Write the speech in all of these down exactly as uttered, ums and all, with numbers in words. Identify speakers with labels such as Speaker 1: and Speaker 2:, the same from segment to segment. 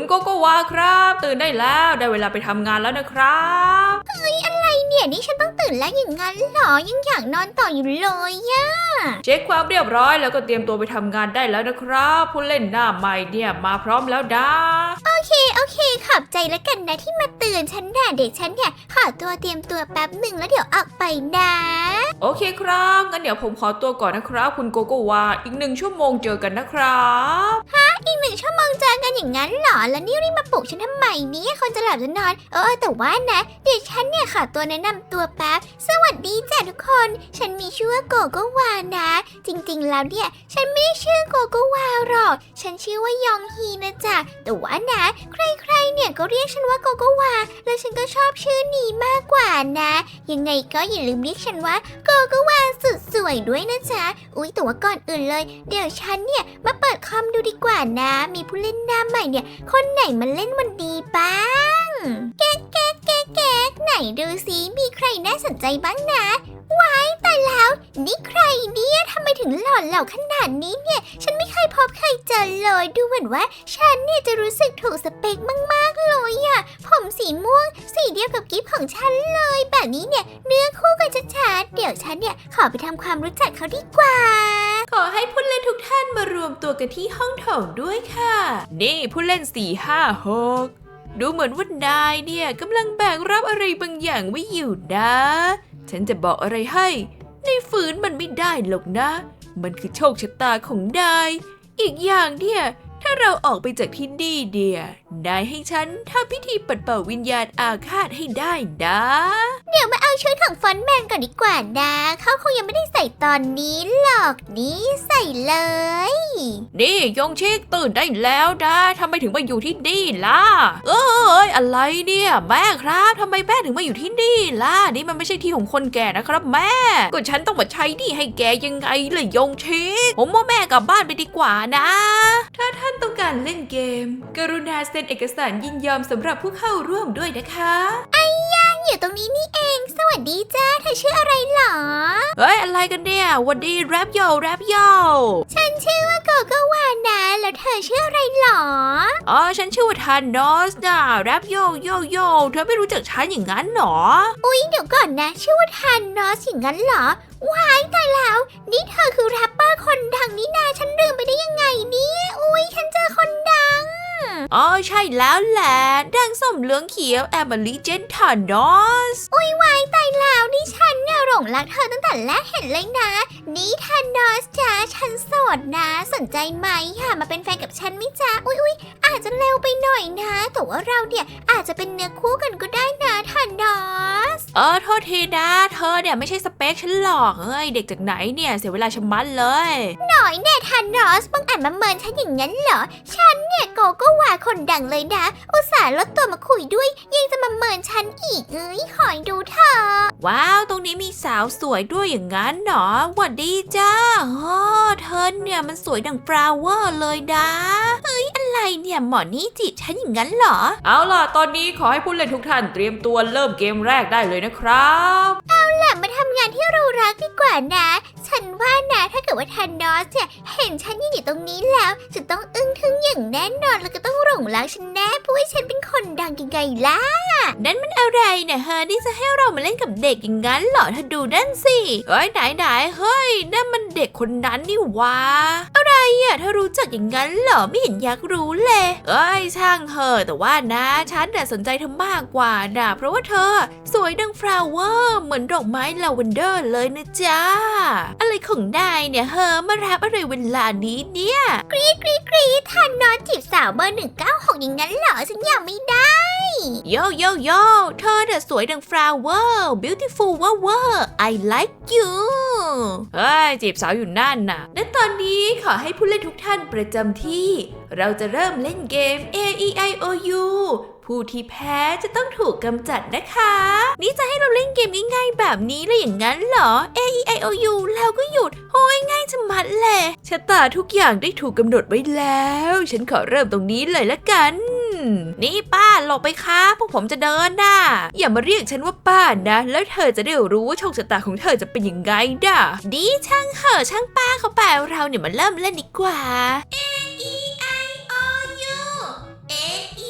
Speaker 1: โกโกวาครับตื่นได้แล้วได้เวลาไปทำงานแล้วนะครับ
Speaker 2: เฮ้ยอะไรเนี่ยนี่ฉันต้องตื่นแล้วอย่างนั้นหรอยังอยากนอนต่ออยู่เลยย่า
Speaker 1: เช็คความเรียบร้อยแล้วก็เตรียมตัวไปทำงานได้แล้วนะครับผู้เล่นหน้าใหม่เนี่ยมาพร้อมแล้วนะ
Speaker 2: โอเคโอเคขอบใจแล้วกันนะที่มาเตือนฉันน่ะเด็กฉันเนี่ยขอตัวเตรียมตัวแป๊บหนึ่งแล้วเดี๋ยวออกไปนะ
Speaker 1: โอเคครับงั้นเดี๋ยวผมขอตัวก่อนนะครับคุณโกโกวาอีกหนึ่งชั่วโมงเจอกันนะครับ
Speaker 2: ฮะอีกหนึ่งชั่วโมงเจอกันอย่างนั้นหรอแล้วนี่รีบมาปลุกฉันทำไมเนี่ยคนจะหลับจะนอนเออแต่ว่านะเดี๋ยวฉันเนี่ยขอตัวแนะนำตัวแป๊บสวัสดีจ้ะทุกคนฉันมีชื่อว่าโกโกวานะจริงๆแล้วเนี่ยฉันไม่ได้ชื่อโกโกวาหรอกฉันชื่อว่ายองฮีนะจ๊ะแต่ว่านะใครๆเนี่ยก็เรียกฉันว่าโกโกวาแล้วฉันก็ชอบชื่อนี้มากกว่านะยังไงก็อย่าลืมเรียกฉันว่าโกโกวาสุดสวยด้วยนะจ๊ะอุ๊ยแต่ว่าก่อนอื่นเลยเดี๋ยวฉันเนี่ยมาเปิดคอมดูดีกว่านะมีผู้เล่นหน้าใหม่เนี่ยคนไหนมาเล่นวันดีบ้างแก๊กแก๊กแก๊กแก๊กไหนดูซิมีใครน่าสนใจบ้างนะว้ายตายแล้วนี่ใครเนี่ยทำไมถึงหล่อเหลาขนาดนี้เนี่ยฉันไม่เคยพบใครเจอเลยดูเหมือนว่าฉันเนี่ยจะรู้สึกถูกสเปคมากๆเลยอะผมสีม่วงสีเดียวกับกิฟของฉันเลยแบบนี้เนี่ยเนื้อคู่กันชัดๆเดี๋ยวฉันเนี่ยขอไปทำความรู้จักเขาดีกว่า
Speaker 1: ขอให้ผู้เล่นทุกท่านมารวมตัวกันที่ห้องโถงด้วยค่ะนี่ผู้เล่นสี่ห้าหกดูเหมือนว่านายเนี่ยกำลังแบกรับอะไรบางอย่างไว้อยู่นะฉันจะบอกอะไรให้ในฝืนมันไม่ได้หรอกนะมันคือโชคชะตาของนายอีกอย่างเนี่ยถ้าเราออกไปจากที่นี่เดียนายให้ฉันทำพิธีปัดเป่าวิญญาณอาฆาตให้ได้นะ
Speaker 2: เดี๋ยวมาเอาชุดของฟอนต์แมนก่อนดีกว่านะเขาคงยังไม่ได้ใส่ตอนนี้หรอกนี่ใส่เลย
Speaker 1: นี่ยงชิกตื่นได้แล้วนะทำไมถึงมาอยู่ที่นี่ล่ะเอ้ยอะไรเนี่ยแม่ครับทำไมแม่ถึงมาอยู่ที่นี่ล่ะนี่มันไม่ใช่ที่ของคนแก่นะครับแม่ก็ฉันต้องมาใช้นี่ให้แกยังไงล่ะยงชิกผมว่าแม่กลับบ้านไปดีกว่านะถ้าท่านต้องการเล่นเกมกรุณาเซ็นเอกสารยินยอมสำหรับผู้เข้าร่วมด้วยนะคะ
Speaker 2: ไอ้ย่าอยู่ตรงนี้นี่เองสวัสดีจ้าเธอชื่ออะไรหรอ
Speaker 1: เฮ้ยอะไรกันเนี่ยวันดีแรปโยแรปโย
Speaker 2: ฉันชื่อว่าโกโกวานะแล้วเธอชื่ออะไรหรอ
Speaker 1: อ๋อฉันชื่อว่าทานอสนะแรปโยโยโยเธอไม่รู้จักฉันอย่างนั้นหรอ
Speaker 2: อุ๊ยเดี๋ยวก่อนนะชื่อว่าทานอสอย่างนั้นเหรอว้ายตายแล้วนี่เธอคือแรปเปอร์คนดังนี่นาฉันลืมไปได้ยังไงเนี่ยอุ๊ยฉันเจอคนดัง
Speaker 1: อ๋อใช่แล้วแหละดังส้มเหลืองเขียวแอมเบอรี่เจนทานอส
Speaker 2: อุ๊ยวายตายแล้วนี่ฉันเนี่ยหลงรักเธอตั้งแต่แรกเห็นเลยนะนี่ทานอสจ้าฉันโสดนะสนใจไหมค่ะมาเป็นแฟนกับฉันไหมจ๊ะอุ๊ยอุ๊ยอาจจะเร็วไปหน่อยนะแต่ว่าเราเนี่ยอาจจะเป็นเนื้อคู่กันก็ได้นะทานอส
Speaker 1: เออโทษทีนะเธอเนี่ยไม่ใช่สเปคฉันหรอกเอ้ยเด็กจากไหนเนี่ยเสียเวลาชะมัดเลย
Speaker 2: หน่อยแน่ทานอสบังอาจมาเมินฉันอย่างนั้นเหรอฉันเนี่ยโกโกวาคนดังเลยนะอุตส่าห์ลดตัวมาคุยด้วยยังจะมาเมินฉันอีกเอ้ยคอยดูเธอ
Speaker 1: ว้าวตรงนี้มีสาวสวยด้วยอย่างนั้นเหรอหวัดดีจ้าอ๋อเธอเนี่ยมันสวยดังฟลาวเวอร์เลยนะ
Speaker 2: เฮ้ยอะไรเนี่ยหมอนี่จีบฉันอย่างนั้นเหรอ
Speaker 1: เอาล่ะตอนนี้ขอให้ผู้เล่นทุกท่านเตรียมตัวเริ่มเกมแรกได้เลยนะครับ
Speaker 2: เอาล่ะมาทำงานที่เรารักดีกว่านะฉันว่านะถ้าเกิดว่าทานอสเนี่ยเห็นฉันยืนอยู่ตรงนี้แล้วจะต้องอึ้งทึ่งอย่างแน่นอนแล้วก็ต้องหลงรักฉันแน่เพราะว่าฉันเป็นคนดังยังไงล่ะ
Speaker 1: นั่นมันอะไรเนี่ยฮะนี่จะให้เรามาเล่นกับเด็กอย่างนั้นเหรอเธอดูนั่นสิเฮ้ยไหนไหนเฮ้ยนั่นมันเด็กคนนั้นนี่วะอะไรอ่ะเธอรู้จักอย่างนั้นเหรอไม่เห็นอยากรู้เลยเอ้ยช่างเถอะแต่ว่านะฉันน่ะสนใจเธอมากกว่านะเพราะว่าเธอสวยดังฟลาวเวอร์เหมือนดอกไม้ลาเวนเดอร์เลยนะจ๊ะอะไรของนายเนี่ยเฮอมาแรปอะไรเวลานี้เนี่ย
Speaker 2: กรี๊ดกรี๊ดกรี๊ดทานอสจีบสาวเบอร์หนึ่งเก้าหกอย่างนั้นเหรอฉันยังไม่ได้
Speaker 1: โยโยโยเธอเนี่ยสวยดังฟลาวเวอร์ beautiful เวอร์เวอร์ I like you เฮ้ยจีบสาวอยู่นั่นน่ะและตอนนี้ขอให้ผู้เล่นทุกท่านประจำที่เราจะเริ่มเล่นเกม A E I O U ผู้ที่แพ้จะต้องถูกกำจัดนะคะนี่จะให้เราเล่นเกมง่ายๆแบบนี้เลยอย่างนั้นเหรอ A E I O U แล้วก็หยุดโอ้ยง่ายจะมัดเลยชะตาทุกอย่างได้ถูกกำหนดไว้แล้วฉันขอเริ่มตรงนี้เลยละกันนี่ป้าหลบไปค่ะพวกผมจะเดินน่ะอย่ามาเรียกฉันว่าป้านะแล้วเธอจะได้รู้ว่าโชคชะตาของเธอจะเป็นยังไงด่ะดีช่างเหอะช่างป้าเขาไปเราเนี่ยมาเริ่มเล่นดีกว่า
Speaker 2: A E I O U A E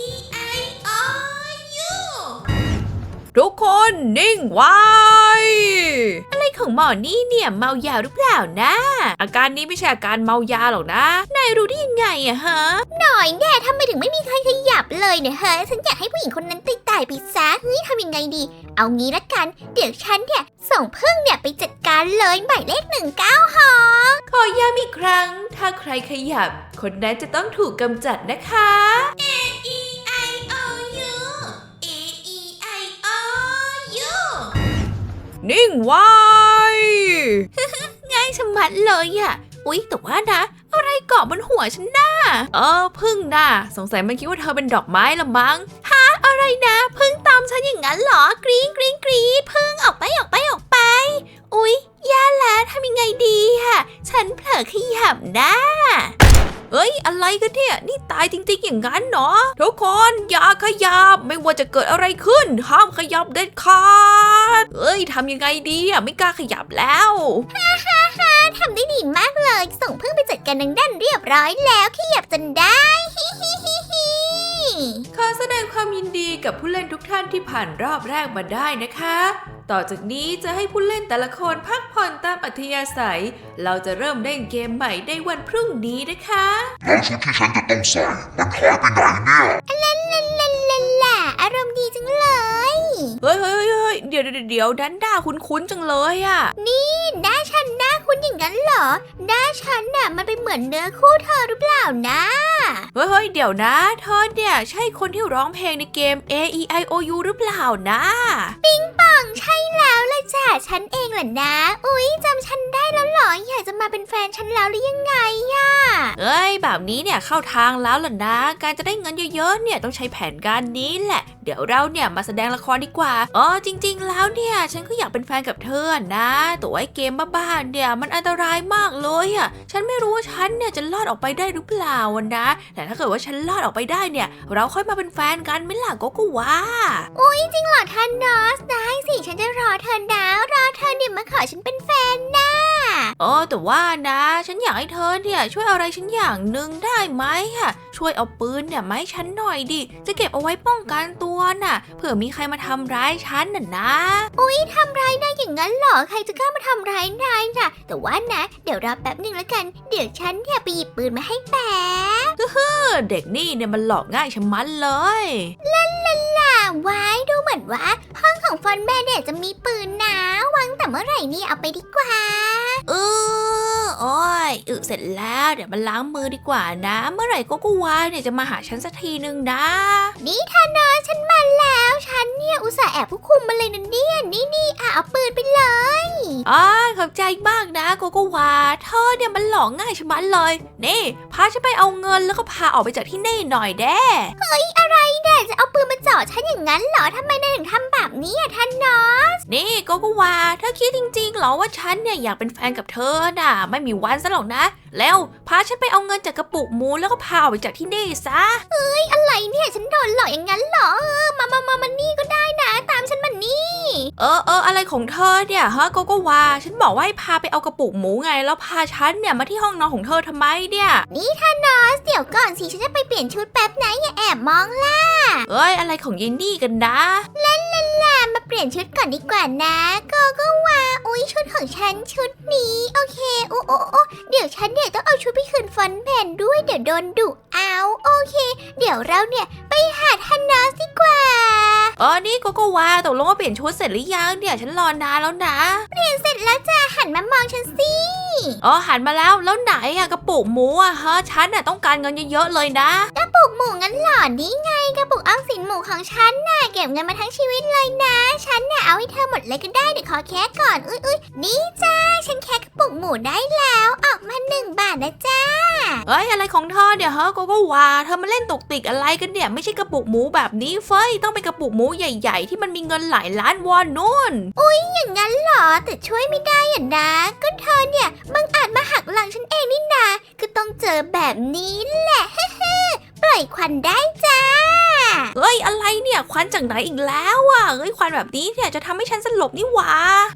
Speaker 1: ทุกคนนิ่งไว้ อะไรของหมอนี่เนี่ยเมายาหรือเปล่านะอาการนี้ไม่ใช่อาการเมายาหรอกนะนายรู้ได้ยังไงอะฮะ
Speaker 2: หน่อยแน่ทำไมถึงไม่มีใครขยับเลยเนี่ยเฮ้ยฉันอยากให้ผู้หญิงคนนั้นตายตายไปซะเฮ้ยทำยังไงดีเอางี้ละกันเดี๋ยวฉันเนี่ยส่งพึ่งเนี่ยไปจัดการเลยหมายเลขหนึ่งเก้าหอ
Speaker 1: ขอย้ำอีกครั้งถ้าใครขยับคนนั้นจะต้องถูกกำจัดนะคะ A E I O U A E I O U นิ่งไว้ ง่ายชะมัดเลยอะอุ๊ยแต่ว่านะอะไรเกาะบนหัวฉันน่ะเออพึ่งน่ะสงสัยมันคิดว่าเธอเป็นดอกไม้ละมั้งฮะอะไรนะพึ่งตามฉันอย่างนั้นเหรอกรี๊ดกรี๊ดกรี๊ดพึ่งออกไปออกไปออกไปอุ๊ยแย่แล้วทำยังไงดีอะฉันเผลอขยับนะเอ้ยอะไรกันเนี่ยนี่ตายจริงๆอย่างนั้นเนาะทุกคนอย่าขยับไม่ว่าจะเกิดอะไรขึ้นห้ามขยับเด็ดขาดเอ้ยทำยังไงดีอะไม่กล้าขยับแล้ว
Speaker 2: ฮ่าฮ่าฮ่าทำได้ดีมากเลยส่งพึ่งไปจัดการดังด้านเรียบร้อยแล้วขยับจนได้ฮิฮิฮิฮิ
Speaker 1: ขอแสดงความยินดีกับผู้เล่นทุกท่านที่ผ่านรอบแรกมาได้นะคะต่อจากนี้จะให้ผู้เล่นแต่ละคนพักผ่อนตามอัธยาศัยเราจะเริ่มเล่นเกมใหม่ในวันพรุ่งนี้นะคะ
Speaker 3: แล้วชุดที่ฉันจะต้องใส่มันหายไปไหนเนี่ย
Speaker 2: ลาลาลาลาลาอารมณ์ดีจังเลย
Speaker 1: เฮ้ยเฮ้ยเฮ้ยเดี๋ยวเดี๋ยวเดี๋ยวดันด้าคุ้นๆจังเลยอ่ะ
Speaker 2: นี่หน้าฉันหน้าคุ้นอย่างนั้นเหรอหน้าฉันน่ะมันเป็นเหมือนเนื้อคู่เธอหรือเปล่านะ
Speaker 1: เฮ้ยเฮ้ยเดี๋ยวนะเธอเนี่ยใช่คนที่ร้องเพลงในเกม A E I O U หรือเปล่านะ
Speaker 2: ปิงปองใช่แล้วล่ะจ้ะฉันเองแหละนะอุ๊ยจำฉันได้แล้วเหรออยากจะมาเป็นแฟนฉันแล้วหรือยังไงอะ
Speaker 1: เอ้ยแบบนี้เนี่ยเข้าทางแล้วล่ะนะการจะได้เงินเยอะๆเนี่ยต้องใช้แผนการนี้แหละเดี๋ยวเราเนี่ยมาแสดงละครดีกว่าอ๋อจริงๆแล้วเนี่ยฉันก็อยากเป็นแฟนกับเธอนะแต่ว่าเกมบ้าๆเนี่ยมันอันตรายมากเลยอะฉันไม่รู้ว่าฉันเนี่ยจะรอดออกไปได้หรือเปล่านะแต่ถ้าเกิดว่าฉันรอดออกไปได้เนี่ยเราค่อยมาเป็นแฟนกันไม่ล่ะก็ก็ว่า
Speaker 2: อุ๊ยจริงเหรอท่านนอสได้สิฉันจะรอเธอนะรอเธอเนี่ยมาขอฉันเป็นแฟนนะ
Speaker 1: เออแต่ว่านะฉันอยากให้เธอเนี่ยช่วยอะไรฉันอย่างหนึ่งได้ไหมอะช่วยเอาปืนเนี่ยมาให้ฉันหน่อยดิจะเก็บเอาไว้ป้องกันตัวน่ะเผื่อมีใครมาทำร้ายฉันน่ะนะ
Speaker 2: อุ๊ยทำร้ายนายอย่างนั้นเหรอใครจะกล้ามาทำร้ายนายน่ะแต่ว่านะเดี๋ยวรอแป๊บนึงแล้วกันเดี๋ยวฉันเนี่ยไปหยิบปืนมาให้แป๊บ
Speaker 1: เฮ้อเด็กนี่เนี่ยมันหลอกง่ายชะมัดเลย
Speaker 2: ลาลาลาไว้ดูเหมือนว่าห้องของฟอนแม่เนี่ยจะมีปืนนะวางแต่เมื่อไหร่นี่เอาไปดีกว่า
Speaker 1: เออโอ้ยอึเสร็จแล้วเดี๋ยวมาล้างมือดีกว่านะเมื่อไหร่ก็กูวาเนี่ยจะมาหาฉันสักทีนึงนะ
Speaker 2: นี่ท่านอฉันมาแล้วฉันเนี่ยอุตส่าห์แอบผู้คุมมาเลยนะเนี่ยนี่นี่อ่ะเอาปืนไปเลย
Speaker 1: อ๋อขอบใจมากนะโกโกวาเธอเนี่ยมันหลอกง่ายชะมัดเลยนี่พาฉันไปเอาเงินแล้วก็พาออกไปจากที่นี่หน่อยเด้
Speaker 2: เฮ้ยอะไรเนี่ยจะเอาปืนมาจ่อฉันอย่างนั้นเหรอทำไมนายถึงทำแบบนี้อ่ะท่านนอส
Speaker 1: นี่โกโกวาเธอคิดจริงๆเหรอว่าฉันเนี่ยอยากเป็นแฟนกับเธอน่ะไม่มีวันซะหรอกนะแล้วพาฉันไปเอาเงินจากกระปุกหมูแล้วก็พาออกไปจากที่นี่ซะ
Speaker 2: เอ้ยอะไรเนี่ยฉันโดนหลอกอย่างนั้นเหรอเออมามามามานี่ก็ได้นะตามฉันมานี่
Speaker 1: เออเอออะไรของเธอเนี่ยฮะโกโกวาฉันบอกว่าให้พาไปเอากระปุกหมูไงแล้วพาฉันเนี่ยมาที่ห้องนอนของเธอทำไมเนี่ย
Speaker 2: นี่ท่านนอสเดี๋ยวก่อนสิฉันจะไปเปลี่ยนชุดแป๊บนะอย่าแอบมองล่ะ
Speaker 1: เอ้ยอะไรของยินนี่กันนะ
Speaker 2: เล่นเล่นล่ะมาเปลี่ยนชุดก่อนดีกว่านะโกโกวาอุ๊ยชุดของฉันชุดนี้โอเคโอ้โอ้โอ้เดี๋ยวฉันเนี่ยต้องเอาชุดไปคืนฟอนแผ่นด้วยเดี๋ยวโดนดุเอาโอเคเดี๋ยวเราเนี่ยไปหาท่านนอสดีกว่า
Speaker 1: เออนี่โกโกวาตกลงว่าเปลี่ยนชุดเสร็จหรือยังเนี่ยฉันรอนานแล้วนะ
Speaker 2: เปลี่ยนเสร็จแล้วจ้ะหันมามองฉันสิ
Speaker 1: อ๋อหันมาแล้วแล้วไหนอะกระปุกหมูอะฮะฉันน่ะต้องการเงินเยอะๆเลยนะ
Speaker 2: กระปุกหมูงั้นหรอนี่ไงกระปุกออมสินหมูของฉันน่ะเก็บเงินมาทั้งชีวิตเลยนะฉันน่ะเอาให้เธอหมดเลยก็ได้เดี๋ยวขอแค่ก่อนอุ้ยอุ้ยนี่จ้าฉันแค่กระปุกหมูได้แล้วออกมาหนึ่งบาทนะจ้า
Speaker 1: เอ้ยอะไรของเธอเดี๋ยวฮะโกโกวาเธอมาเล่นตกติกอะไรกันเนี่ยไม่ใช่กระปุกหมูแบบนี้เฟ้ยต้องเป็นกระปุกหมูใหญ่ๆที่มันมีเงินหลายล้านวอนนู่น
Speaker 2: อุ้ยอย่างนั้นเหรอแต่ช่วยไม่ได้อ่ะนะก็เธอเนี่ยบังอาจมาหักหลังฉันเองนี่นาก็ต้องเจอแบบนี้แหละปล่อยควันได้จ้า
Speaker 1: เฮ้ยอะไรเนี่ยควันจากไหนอีกแล้วอ่ะเฮ้ยควันแบบนี้เนี่ยจะทำให้ฉันสลบนี่หว่า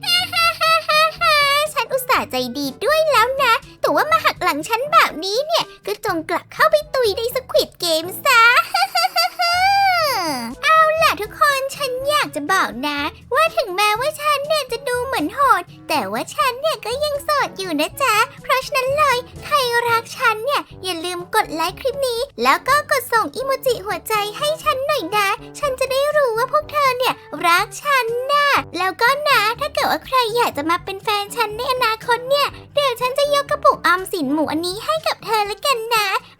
Speaker 2: ฉันอุตส่าห์ใจดีด้วยแล้วนะแต่ว่ามาหักหลังฉันแบบนี้เนี่ยก็จงกลับเข้าไปตุยในสควิดเกมซะเอาล่ะทุกคนฉันอยากจะบอกนะ ว่าถึงแม้ว่าฉันเนี่ยจะดูเหมือนโหดแต่ว่าฉันเนี่ยก็ยังโสดอยู่นะจ๊ะเพราะฉะนั้นเลยใครรักฉันเนี่ยอย่าลืมกดไลค์คลิปนี้แล้วก็กดส่งอีโมจิหัวใจให้ฉันหน่อยนะฉันจะได้รู้ว่าพวกเธอเนี่ยรักฉันนะแล้วก็นะถ้าเกิดว่าใครอยากจะมาเป็นแฟนฉันในอนาคตเนี่ยเดี๋ยวฉันจะยกกระปุกออมสินหมูอันนี้ให้กับเธอแล้วกันนะ